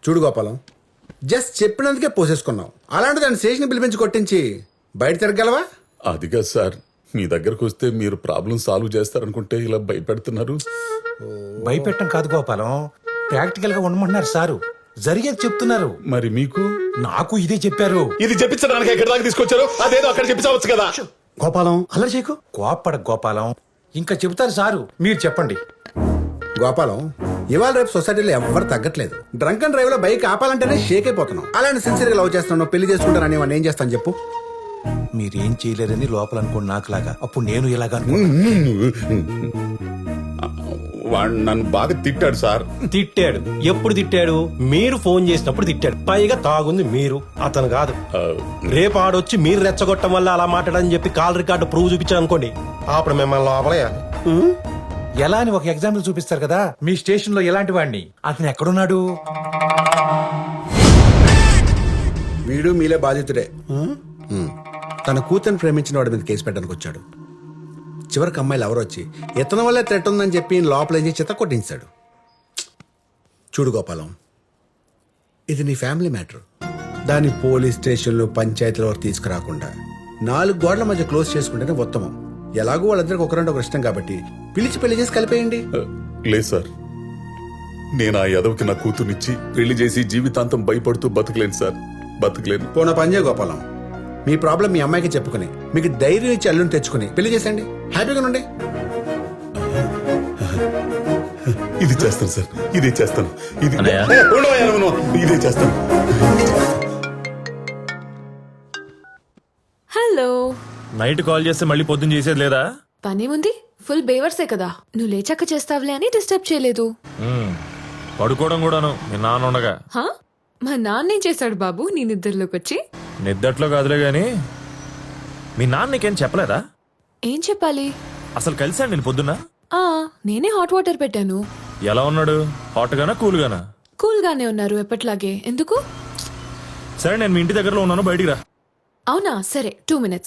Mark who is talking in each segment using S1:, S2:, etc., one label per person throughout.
S1: చూడు గోపాలం, జస్ట్ చెప్పినందుకే పోసేసుకున్నావు. అలాంటి దాన్ని స్టేషన్ పిలిపించి కొట్టించి బయట తిరగలవా?
S2: అదిగా సార్, మీ దగ్గరకు వస్తే మీరు ప్రాబ్లం సాల్వ్ చేస్తారనుకుంటే ఇలా భయపెడుతున్నారు.
S3: భయపెట్టం కాదు గోపాలం, ప్రాక్టికల్ గా ఉండమంటున్నారు సారు. జరిగేది చెప్తున్నారు.
S2: మరి మీకు?
S3: నాకు ఇదే చెప్పారు.
S2: ఇది చెప్పించడానికి ఎక్కడి దాకా తీసుకొచ్చారు? అదేదో అక్కడ చెప్పించవచ్చు కదా.
S4: గోపాలం అల్లరి చేయకు.
S3: కోప్పడ గోపాలం, ఇంకా చెబుతారు సారు, మీరు చెప్పండి.
S1: గోపాలం, ఇవాళ రేపు సొసైటీలో ఎవ్వరు తగ్గట్లేదు. డ్రంక్ అండ్ డ్రైవ్ లో బైక్ ఆపాలంటేనే షేక్ అయిపోతున్నాం. అలాంటి సిన్సియర్ గా లవ్ చేస్తున్నావు, పెళ్లి చేసుకుంటానని వాడిని ఏం చేస్తాను చెప్పు?
S3: మీరేం చేయలేరని లోపల అనుకోండి నాకులాగా. అప్పుడు నేను ఇలాగా
S2: వాడు నన్ను బాగా తిట్టాడు సార్.
S4: తిట్టాడు? ఎప్పుడు తిట్టాడు? మీరు ఫోన్ చేసినప్పుడు తిట్టాడు. పైగా తాగుంది మీరు, అతను కాదు. రేపు ఆడొచ్చి మీరు రెచ్చగొట్టం వల్ల అలా మాట్లాడని చెప్పి కాల్ రికార్డు ప్రూవ్ చూపించాను అనుకోండి, అప్పుడు మిమ్మల్ని లోపలేయాలి.
S3: ఎలా అని ఒక ఎగ్జాంపుల్ చూపిస్తారు కదా. మీ స్టేషన్ లో ఎలాంటి వాడిని, అతను ఎక్కడున్నాడు?
S1: వీడు మీలే బాధితుడే. తన కూతురు ప్రేమించిన వాడి మీద కేసు పెట్టడానికి వచ్చాడు. చివరికి అమ్మాయిలు ఎవరు వచ్చి ఇతని వల్లే థ్రెట్ ఉందని చెప్పి లోపలేసి చిత్త కొట్టించాడు. చూడు గోపాలం, ఇది నీ ఫ్యామిలీ మ్యాటర్. దాన్ని పోలీస్ స్టేషన్లు పంచాయతీల వరకు తీసుకురాకుండా 4 గోడల మధ్య క్లోజ్ చేసుకుంటేనే ఉత్తమం. ఎలాగో వాళ్ళందరికీ ఒకరంటే ఒకరు ఇష్టం కాబట్టి పిలిచి పెళ్లి చేసి కలిపేయండి.
S2: లేదు సార్, నేను ఆ యదవకి నా కూతుర్నిచ్చి పెళ్లి చేసి జీవితాంతం భయపడుతూ బతకలేను సార్, బతకలేను.
S1: పోనా పని చేయ గోపాలం, మీ ప్రాబ్లం మీ అమ్మాయికి చెప్పుకుని మీకు ధైర్యం ఇచ్చి అల్లుని తెచ్చుకుని పెళ్లి చేసేయండి. హ్యాపీగా ఉండండి.
S2: ఇది చేస్తాను సార్, ఇదే చేస్తాను. ఇదే చేస్తాను.
S5: హలో.
S6: నైట్ కాల్ చేస్తే మళ్ళీ పొద్దున్న చేసేది లేదా?
S5: పని ఉంది, ఫుల్ బేవర్సే కదా. నువ్వు లేచాక చేస్తావులే అని డిస్టర్బ్ చేయలేదు.
S6: పడుకోవడం కూడాను మీ నాన్న ఉండగా.
S5: హా, మా నాన్నేం చేశాడు బాబు నీ నిద్రలోకి వచ్చి?
S6: నిద్దట్లో కాదులే గాని మీ నాన్న నీకేం చెప్పలేదా?
S5: ఏం చెప్పాలి?
S6: అసలు కలిసాను నేను పొద్దున్న.
S5: నేనే హాట్ వాటర్ పెట్టాను.
S6: ఎలా ఉన్నాడు? హాట్ గానా కూల్ గానా?
S5: కూల్ గానే ఉన్నారు ఎప్పట్లాగే. ఎందుకు?
S6: సరే నేను మీ ఇంటి దగ్గరలో ఉన్నాను, బయటికి రా.
S5: అవునా, సరే 2 minutes.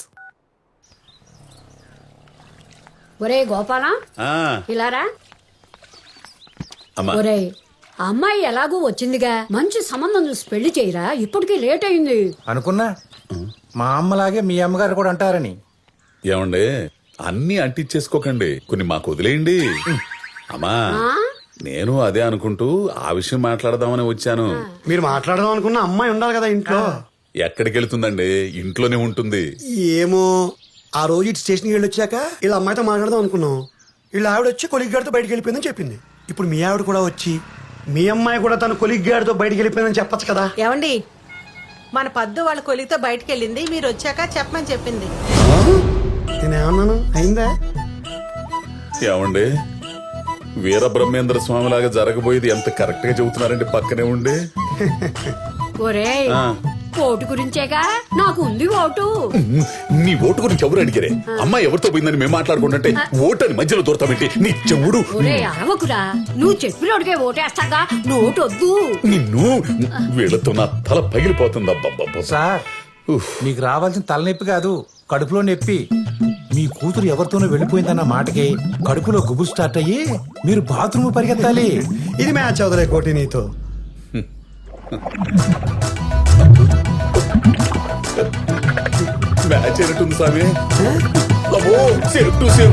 S7: ఒరే గోపాలం, ఇలారా.
S2: అమ్మా.
S7: ఒరే, అమ్మాయి ఎలాగూ వచ్చిందిగా, మంచి సంబంధం చూసి పెళ్లి చేయరా, ఇప్పటికే లేట్ అయింది.
S3: అనుకున్నా మా అమ్మలాగే మీ అమ్మగారు కూడా అంటారని.
S2: ఏమండే, అన్ని అంటించేసుకోకండి, కొన్ని మాకు వదిలేయండి. అమ్మా, నేను అదే అనుకుంటూ ఆ విషయం మాట్లాడదామని వచ్చాను.
S4: మీరు మాట్లాడదాం అనుకున్న అమ్మాయి ఉండాలి కదా ఇంట్లో.
S2: ఎక్కడికి వెళ్తుందండి? ఇంట్లోనే ఉంటుంది.
S4: ఏమో, ఆ రోజు ఇటు స్టేషన్కి వెళ్ళి వచ్చాక ఇలా అమ్మాయితో మాట్లాడదాం అనుకున్నాం. వీళ్ళ ఆవిడ వచ్చి కొలిగ్ గారితో బయటకు వెళ్ళిపోయిందని చెప్పింది. ఇప్పుడు మీ ఆవిడ కూడా వచ్చి మీ అమ్మాయి కూడా తన కొలిగ్ గారితో బయటకు వెళ్ళిపోయిందని చెప్పచ్చు కదా.
S8: ఏమండి, మన పద్దు వాళ్ళ కొలితో బయటకు వెళ్ళింది, మీరు వచ్చాక చెప్పమని చెప్పింది.
S4: నేనేమన్నాను? అయిందా?
S2: ఏమండి, వీరబ్రహ్మేంద్ర స్వామి లాగా జరగబోయేది ఎంత కరెక్ట్ గా చెబుతున్నారండి పక్కనే ఉండి.
S7: ఒరే, ఓటు గురించేగా, నాకు ఉంది ఓటు.
S2: నీ ఓటు గురించి ఎవరు అడిగారే? అమ్మాయి ఎవరితో పోయిందని మేము మాట్లాడుకుంటుంటే ఓటు అని మధ్యలో దూరతామేంటి? నీ చెవుడు.
S7: ఒరే అరవకురా, నువ్వు చెప్పినోడికే ఓటేస్తాగా, నోటు వద్దు.
S2: నిన్ను వీళ్ళతో నా తల పగిలిపోతుంది. అబ్బబ్బబ్బ.
S3: సార్, మీకు రావాల్సిన తలనొప్పి కాదు, కడుపులో నొప్పి. మీ కూతురు ఎవరితోనో వెళ్ళిపోయిందన్న మాటకి కడుపులో గుబులు స్టార్ట్ అయ్యి మీరు బాత్రూమ్ పరిగెత్తాలి.
S4: ఇది మ్యాచ్ అవుదలే కోటి నీతో.
S2: మ్యాచ్ అయినట్టుంది స్వామి. అబ్బో, సేవ్ టు సేవ్.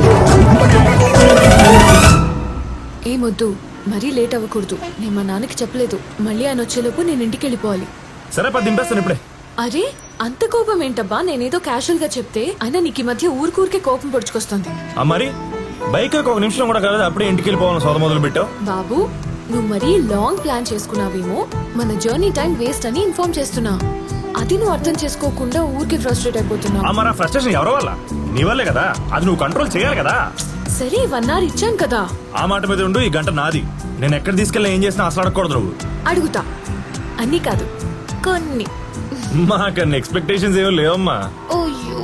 S5: ఏమొద్దు, మరీ లేట్ అవ్వకూడదు. నేను మా నాన్నకి చెప్పలేదు. మళ్ళీ ఆయన వచ్చేలోపు నేను ఇంటికి వెళ్ళిపోవాలి.
S6: సరే పది దింపేస్తాను ఇప్పుడే.
S5: అరే, అంత కోపం ఏంటబ్బా? నేనేదో క్యాషువల్ గా చెప్తే అయినా నీకు ఈ మధ్య ఊరికూరికే కోపం పొడుచుకొస్తుంది.
S6: మరి బైక్ ఒక నిమిషం కూడా కాలేదు, అప్పుడే ఇంటికి వెళ్ళిపోవాలని సోద మొదలు పెట్టావు.
S5: బాబు, నువ్వు మరీ లాంగ్ ప్లాన్ చేసుకున్నావేమో, మన జర్నీ టైం వేస్ట్ అని ఇన్ఫార్మ్ చేస్తున్నా. అది నువ్వు అర్థం చేసుకోకుండా ఊరికే ఫ్రస్ట్రేట్ అయిపోతున్నావు.
S6: మరి ఆ ఫ్రస్ట్రేషన్ ఎవరి వల్ల? నీ వల్లే కదా. అది నువ్వు కంట్రోల్ చేయాలి కదా.
S5: సరే 1 hour ఇచ్చాను కదా.
S6: ఆ మాట మీద ఉండు. ఈ గంట నాది. నేను ఎక్కడ తీసుకెళ్ళి ఏం చేసినా అసలు అడగకూడదు నువ్వు.
S5: అడుగుతా, అన్ని కాదు కొన్ని.
S6: మాకన్నా ఎక్స్పెక్టేషన్స్ ఏమో లేవమ్మా.
S5: ఓయ్యో.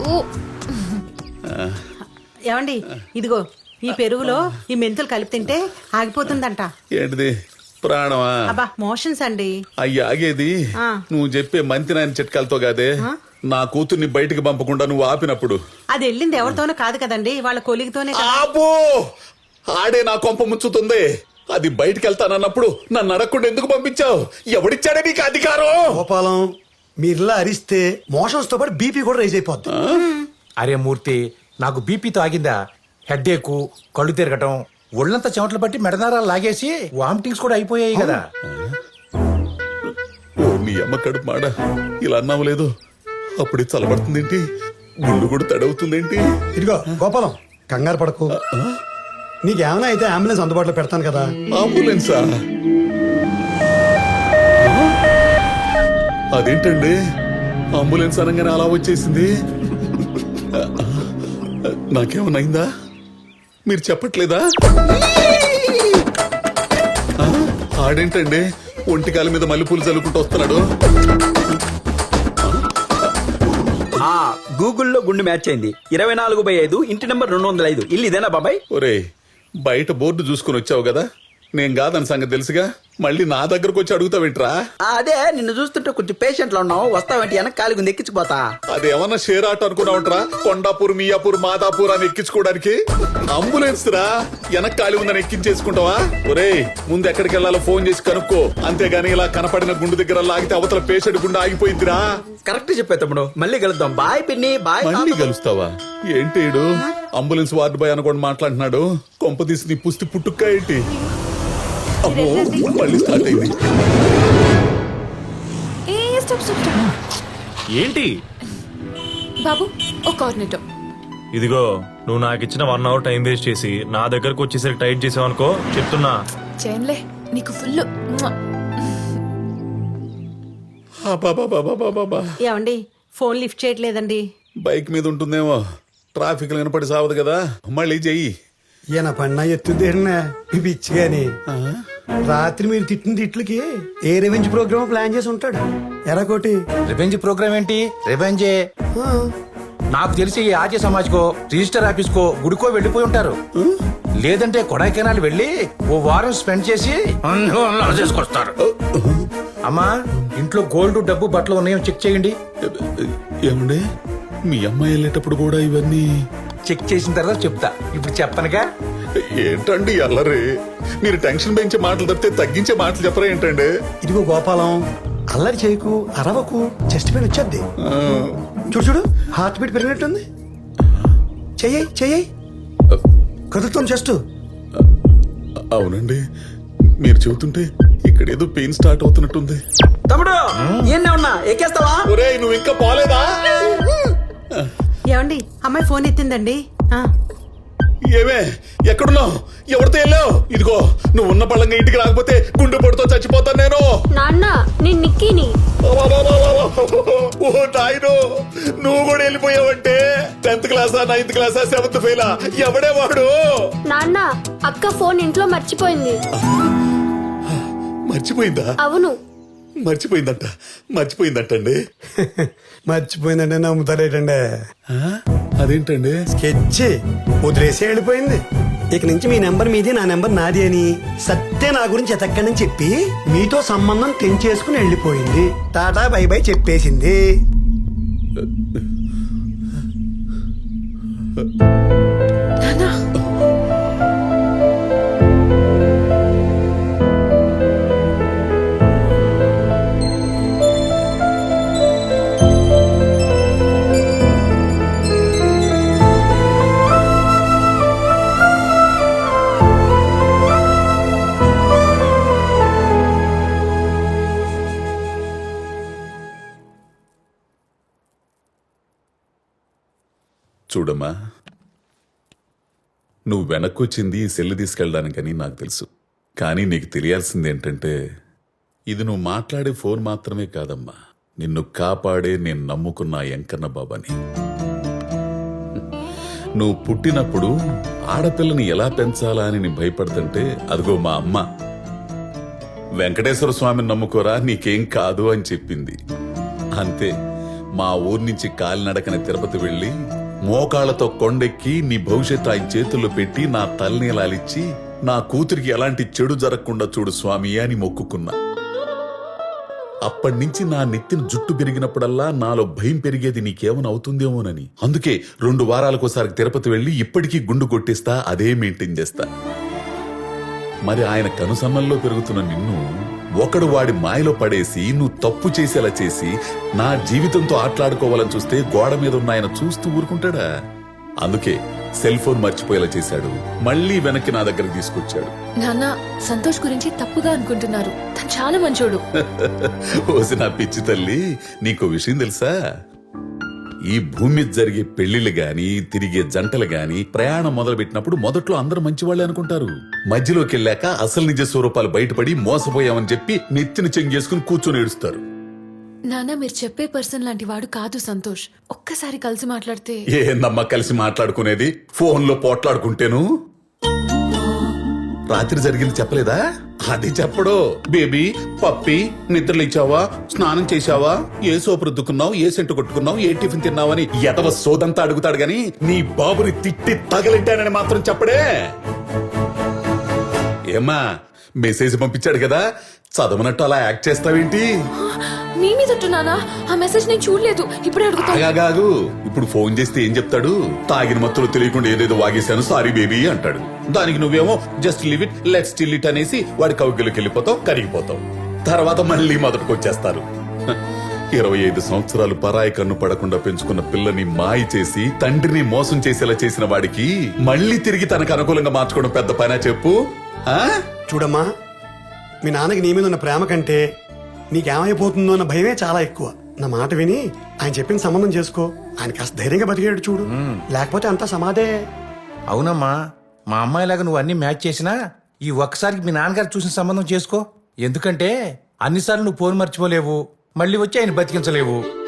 S8: ఏమండి, ఇదిగో ఈ పెరుగులో ఈ మెంతులు కలిపి తింటే ఆగిపోతుందంట.
S2: ఏంటిది? ప్రాణమా?
S8: అబ్బా, మోషన్స్ అండి.
S2: అయ్యి ఆగేది నువ్వు చెప్పే మంతి నాయన చిట్కాలతో కాదే. నా కూతుర్ని బయటికి పంపకుండా నువ్వు ఆపినప్పుడు.
S8: అది వెళ్ళింది ఎవరితోనో కాదు కదండి, వాళ్ళ కొలిగితోనే కదా.
S2: ఆపో, ఆడే నా కొంప ముంచుతుంది. అది బయటికి వెళ్తానన్నప్పుడు నన్ను అడగకుండా ఎందుకు పంపించావు? ఎవడిచ్చాడే నీకు అధికారం?
S9: గోపాలం మీరిలా అరిస్తే మోషన్స్ తో పాటు బీపీ కూడా రైజ్ అయిపోద్ది.
S3: అరే మూర్తి, నాకు బీపీతో ఆగిందా? హెడ్ఏక్, కళ్ళు తిరగటం, ఒళ్ళంతా చెమటలు పట్టి మెడనారాలు లాగేసి వామిటింగ్స్ కూడా అయిపోయాయి కదా.
S2: ఓ నీ అమ్మ కడుపు మాడ, ఇలా అన్నావు లేదు. అప్పుడే చల్లబడుతుందేంటి? గుండు కూడా తడవుతుందేంటి?
S9: ఇదిగో గోపాలం, కంగారు పడకు. నీకేమైనా అయితే అంబులెన్స్ అందుబాటులో పెడతాను కదా.
S2: అంబులెన్సా? అదేంటండి అంబులెన్స్ అనగానే అలా వచ్చేసింది? నాకేమన్నైందా? మీరు చెప్పట్లేదా? ఆడేంటండి ఒంటికాల మీద మల్లెపూలు చల్లుకుంటూ వస్తున్నాడు?
S10: గూగుల్లో గుండు మ్యాచ్ అయింది. 24/5 ఇంటి నెంబర్ 205 ఇల్లు ఇదేనా బాబాయ్?
S2: ఒరే, బయట బోర్డు చూసుకుని వచ్చావు కదా, నేను కాదని సంగతి తెలుసుగా, మళ్ళీ నా దగ్గరకు వచ్చి అడుగుతావేంట్రా?
S10: అదే నిన్ను చూస్తుంటే కొంచెం పేషెంట్ లో ఉన్నావు, వస్తావంటే వెనక కాలిగుంది ఎక్కించిపోతా.
S2: అదేమన్నా షేర్ ఆట అనుకున్నావుట్రా? కొండాపూర్, మియాపూర్, మాదాపూర్ అని ఎక్కించుకోవడానికి అంబులెన్స్ రా. వెనక ఖాళీ ఉందని ఎక్కించేసుకుంటావా? ఒరే, ముందు ఎక్కడికి వెళ్ళాలో ఫోన్ చేసి కనుక్కో. అంతేగాని ఇలా కనపడిన గుండు దగ్గర లాగితే అవతల పేషెంట్ గుండె ఆగిపోయిందిరా.
S10: కరెక్ట్ చెప్పే తమ్ముడు, మళ్ళీ కలుద్దాం. బాయ్ పిన్ని, బాయ్.
S2: మళ్ళీ కలుస్తావా? ఏంటి అంబులెన్స్ వార్డు బాయ్ అనుకోండి మాట్లాడుతున్నాడు. కొంప తీసి నీ పుస్తి పుట్టుక్క ఏంటి? అమ్మో, మళ్ళీ స్టార్ట్ అయింది.
S5: ఏ స్టాప్ స్టాప్ స్టాప్.
S6: ఏంటి
S5: బాబు ఒక కార్నెటో.
S6: ఇదిగో, నువ్వు నాకు ఇచ్చిన 1 అవర్ టైం వేస్ట్ చేసి నా దగ్గరకు వచ్చేసరికి టైట్ చేసావు అనుకో, చెప్తున్నా.
S5: చేన్లే నీకు ఫుల్.
S8: ఏమండి ఫోన్ లిఫ్ట్ చేయట్లేదండి.
S2: బైక్ మీద ఉంటుందేమో, ట్రాఫిక్ వినపడి సావదు కదా. మళ్ళీ చెయ్యి.
S9: ఈయన పన్నా ఎత్తుదేనా పిచ్చి గాని. రాత్రి మీరు తిట్టిన తిట్లకి ఏ రెవెంజ్ ప్రోగ్రామ్ ప్లాన్ చేసి ఉంటాడు. ఎరాకోటి
S3: రివెంజ్ ప్రోగ్రామ్ ఏంటి? రివెంజే. నాకు తెలిసి ఈ ఆర్య సమాజ్కో, రిజిస్టర్ ఆఫీస్కో, గుడికో వెళ్ళిపోయి ఉంటారు. లేదంటే కొడైకెనాల్ వెళ్ళి ఓ వారం స్పెండ్ చేసి చేసుకొస్తారు. అమ్మా, ఇంట్లో గోల్డ్, డబ్బు, బట్టలు ఉన్నాయో చెక్ చేయండి.
S2: ఏమండి, మీ అమ్మాయి వెళ్ళేటప్పుడు కూడా ఇవన్నీ
S3: చెక్ చేసిన తర్వాత చెప్తా. ఇప్పుడు చెప్పనుగా.
S2: ఏంటండి అల్లరి? మీరు టెన్షన్ పెంచే మాటలు తప్పితే తగ్గించే మాటలు చెప్పరా ఏంటండి?
S9: ఇదిగో గోపాలం, అల్లరి చేయకు, అరవకు, చెస్ట్ పెయిన్ వచ్చేద్ది. చూడు చూడు, హార్ట్ బీట్ పెరిగినట్టుంది. చెయ్యి చెయ్యి, కదులుతాం చెస్ట్.
S2: అవునండి, మీరు చెబుతుంటే ఇక్కడ ఏదో పెయిన్ స్టార్ట్ అవుతున్నట్టుంది.
S10: తమ్ముడు ఏనే ఉన్నా ఎక్కేస్తావా?
S2: ఒరేయ్, నువ్వు ఇంకా పోలేదా?
S8: ఏమండి అమ్మాయి ఫోన్ ఎత్తిందండి.
S2: ఏమే, ఎక్కడున్నావు? ఎవరితో వెళ్ళావు? ఇదిగో, నువ్వు ఉన్న పళ్ళంగా ఇంటికి రాకపోతే గుండె పొడితో చచ్చిపోతాను నేను.
S5: నాన్న నేను నిక్కీని.
S2: ఓ నాయనో, నువ్వు కూడా వెళ్ళిపోయావంటే 10th క్లాసా, 9th క్లాసా, 7th ఫెయిలా? ఎవడే వాడు?
S5: నాన్న అక్క ఫోన్ ఇంట్లో మర్చిపోయింది.
S2: మర్చిపోయిందా?
S5: అవును.
S2: మర్చిపోయిందంటండి.
S9: మర్చిపోయిందంటే నమ్ముతారేటండి.
S2: అదేంటండి?
S9: స్కెచ్ వదిలేసి వెళ్ళిపోయింది. ఇక నుంచి మీ నెంబర్ మీది, నా నెంబర్ నాది అని సత్య నా గురించి ఎతక్కడని చెప్పి మీతో సంబంధం తెంచేసుకుని వెళ్ళిపోయింది. టాటా బై బై చెప్పేసింది.
S2: చూడమ్మా, నువ్వు వెనక్కొచ్చింది ఈ సెల్లు తీసుకెళ్ళడానికని నాకు తెలుసు. కానీ నీకు తెలియాల్సింది ఏంటంటే, ఇది నువ్వు మాట్లాడే ఫోన్ మాత్రమే కాదమ్మా, నిన్ను కాపాడే నేను నమ్ముకున్న వెంకన్న బాబాని. నువ్వు పుట్టినప్పుడు ఆడపిల్లని ఎలా పెంచాలా అని నేను భయపడుతుంటే, అదిగో మా అమ్మ వెంకటేశ్వర స్వామిని నమ్ముకోరా, నీకేం కాదు అని చెప్పింది. అంతే, మా ఊరి నుంచి కాలినడకన తిరుపతి వెళ్ళి మోకాళ్లతో కొండెక్కి నీ భవిష్యత్తు ఆయన చేతుల్లో పెట్టి నా తలనీలాలిచ్చి నా కూతురికి ఎలాంటి చెడు జరగకుండా చూడు స్వామి అని మొక్కుకున్నా. అప్పటినుంచి నా నెత్తిన జుట్టు పెరిగినప్పుడల్లా నాలో భయం పెరిగేది నీకేమైనా అవుతుందేమోనని. అందుకే 2 వారాలకోసారి తిరుపతి వెళ్ళి ఇప్పటికీ గుండు కొట్టిస్తా, అదే మెయింటైన్ చేస్తా. మరి ఆయన కనుసన్నల్లో పెరుగుతున్న నిన్ను ఒకడు వాడి మాయలో పడేసి నువ్వు తప్పు చేసేలా చేసి నా జీవితంతో ఆటలాడుకోవాలని చూస్తే గోడ మీద ఉన్న ఆయన చూస్తూ ఊరుకుంటాడా? అందుకే సెల్ ఫోన్ మర్చిపోయేలా చేశాడు, మళ్ళీ వెనక్కి నా దగ్గరకు తీసుకొచ్చాడు.
S5: నాన్న సంతోష్ గురించి తప్పుగా అనుకుంటున్నారు. తను చాలా మంచోడు.
S2: ఓసి నా పిచ్చి తల్లి, నీకో విషయం తెలుసా? ఈ భూమి మీద జరిగే పెళ్లిళ్ళు గాని తిరిగే జంటలు గాని ప్రయాణం మొదలుపెట్టినప్పుడు మొదట్లో అందరూ మంచివాళ్లే అనుకుంటారు. మధ్యలోకి వెళ్ళాక అసలు నిజ స్వరూపాలు బయటపడి మోసపోయామని చెప్పి నెత్తిన చెంగేసుకుని కూర్చొని ఏడుస్తారు.
S5: నాన్న మీరు చెప్పే పర్సన్ లాంటి వాడు కాదు సంతోష్. ఒక్కసారి కలిసి మాట్లాడితే.
S2: ఏందమ్మా కలిసి మాట్లాడుకునేది? ఫోన్లో పోట్లాడుకుంటేను. రాత్రి జరిగింది చెప్పలేదా? అది చెప్పడు. బేబీ పప్పి నిద్రలేచావా, స్నానం చేశావా, ఏ సోపు రుద్దుకున్నావు, ఏ సెంటు కొట్టుకున్నావు, ఏ టిఫిన్ తిన్నావని ఎదవ సోదంతా అడుగుతాడు గాని నీ బాబుని తిట్టి తగలెట్టానని మాత్రం చెప్పడే. ఏమ్మా మెసేజ్ పంపించాడు కదా, చదవనట్టు అలా యాక్ట్ చేస్తావేంటి?
S5: మీ మీద నానా ఆ మెసేజ్ నేను చూడలేదు. ఇప్పుడే అడుగుతా.
S2: ఆగాగాగు, ఇప్పుడు ఫోన్ చేస్తే ఏం చెప్తాడు? తాగిన మత్తులో తెలియకుండా ఏదేదో వాగేశాను సారీ బేబీ అంటాడు. దానికి నువ్వేమో just leave it let's still it అనేసి వాడి కౌగిలికి వెళ్ళిపోతావు, కరిగిపోతావు. తర్వాత మళ్ళీ మొదటికి వచ్చేస్తారు. 25 సంవత్సరాలు పరాయి కన్ను పడకుండా పెంచుకున్న పిల్లని మాయ చేసి తండ్రిని మోసం చేసేలా చేసిన వాడికి మళ్ళీ తిరిగి తనకు అనుకూలంగా మార్చుకోవడం పెద్ద పనా చెప్పు?
S9: చూడమ్మా, మీ నాన్నకి నీ మీద ఉన్న ప్రేమ కంటే నీకేమైపోతుందో అన్న భయమే చాలా ఎక్కువ. నా మాట విని ఆయన చెప్పిన సంబంధం చేసుకో. ఆయన కాస్త ధైర్యంగా బతికేడు చూడు, లేకపోతే అంతా సమాధే.
S3: అవునమ్మా, మా అమ్మాయిలాగా నువ్వు అన్ని మ్యాచ్ చేసినా ఈ ఒక్కసారికి మీ నాన్నగారు చూసిన సంబంధం చేసుకో. ఎందుకంటే అన్నిసార్లు నువ్వు ఫోన్ మర్చిపోలేవు, మళ్ళీ వచ్చి ఆయన బతికించలేవు.